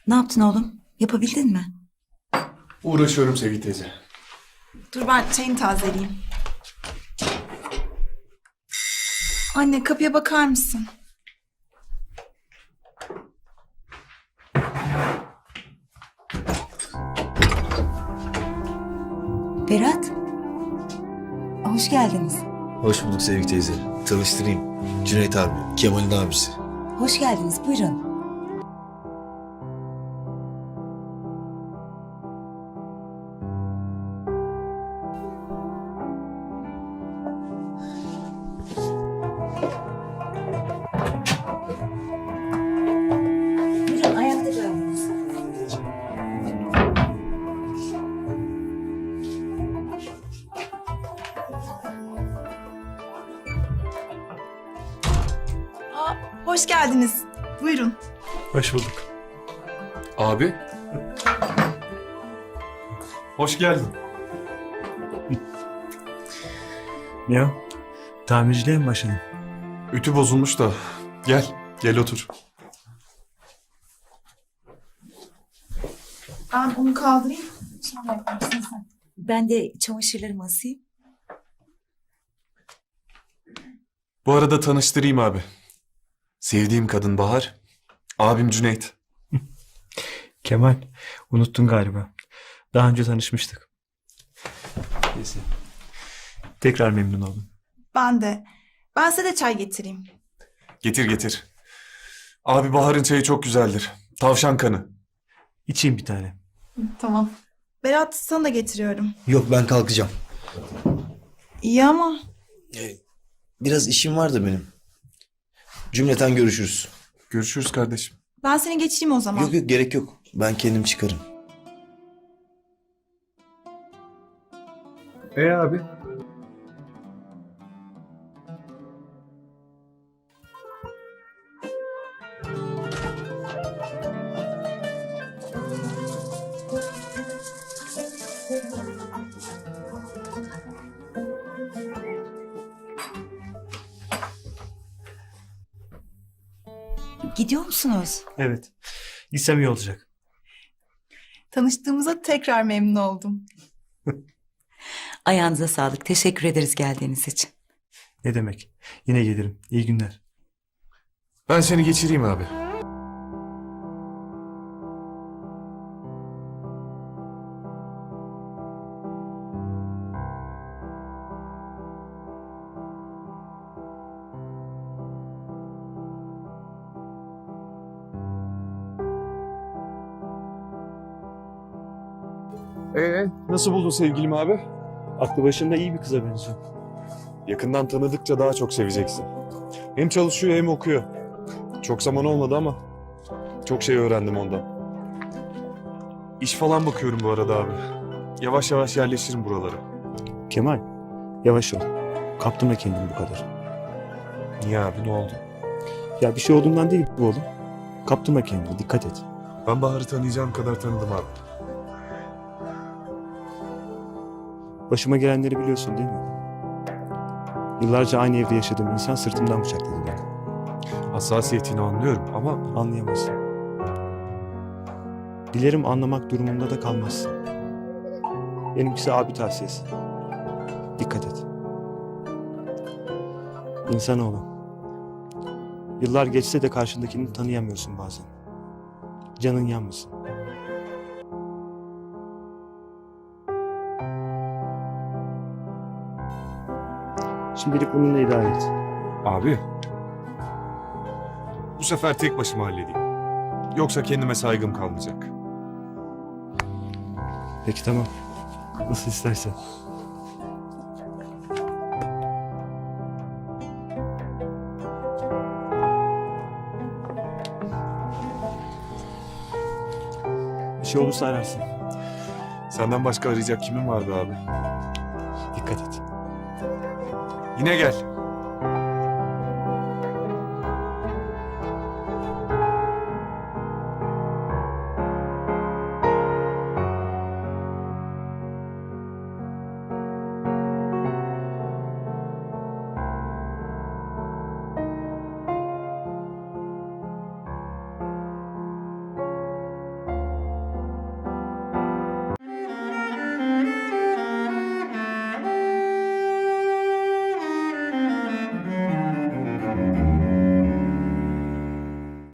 Ne yaptın oğlum? Yapabildin mi? Uğraşıyorum Sevgi teyze. Dur ben çayını tazeleyeyim. Anne kapıya bakar mısın? Berat. Hoş geldiniz. Hoş bulduk Sevgi teyze. Tanıştırayım. Cüneyt abi, Kemal'in abisi. Hoş geldiniz. Buyurun. Buyurun ayakta kaldınız. Aa, hoş geldiniz. Buyurun. Hoş bulduk. Abi. Hoş geldin. Ne o? Tamirciliğe mi başladın? Ütü bozulmuş da. Gel otur. Ben onu kaldırayım. Sonra yaparsın sen. Ben de çamaşırlarımı asayım. Bu arada tanıştırayım abi. Sevdiğim kadın Bahar. Abim Cüneyt. Kemal, unuttun galiba. Daha önce tanışmıştık. Neyse. Tekrar memnun oldum. Ben de. Ben size de çay getireyim. Getir. Abi Bahar'ın çayı çok güzeldir. Tavşan kanı. İçeyim bir tane. Tamam. Berat sana da getiriyorum. Yok ben kalkacağım. İyi ama Biraz işim var da benim. Cümleten görüşürüz. Görüşürüz kardeşim. ben seni geçireyim o zaman. Yok gerek yok. Ben kendim çıkarım. Abi? Gidiyor musunuz? Evet. Gitsem iyi olacak. Tanıştığımıza tekrar memnun oldum. Ayağınıza sağlık. Teşekkür ederiz geldiğiniz için. Ne demek? Yine gelirim. İyi günler. Ben seni geçireyim abi. Nasıl buldun sevgilim abi? Aklı başında iyi bir kıza benziyor. Yakından tanıdıkça daha çok seveceksin. Hem çalışıyor hem okuyor. Çok zaman olmadı ama çok şey öğrendim ondan. İş falan bakıyorum bu arada abi. Yavaş yavaş yerleşirim buralara. Kemal, yavaş ol. Kaptırma kendini bu kadar. Niye abi, ne oldu? Ya bir şey olduğundan değil bu oğlum. Kaptırma kendini. Dikkat et. Ben Bahar'ı tanıyacağım kadar tanıdım abi. Başıma gelenleri biliyorsun değil mi? Yıllarca aynı evde yaşadığım insan sırtımdan bıçakladı beni. Hassasiyetini anlıyorum ama Anlayamazsın. Dilerim anlamak durumunda da kalmazsın. Benimkisi abi tavsiyesi. Dikkat et. İnsanoğlu. Yıllar geçse de karşındakini tanıyamıyorsun bazen. Canın yanmasın. Şimdilik bununla idare et. abi bu sefer tek başıma halledeyim. Yoksa kendime saygım kalmayacak. Peki tamam. Nasıl istersen. Bir şey olursa ararsın. Senden başka arayacak kimim var be abi? Dikkat et. Yine gel.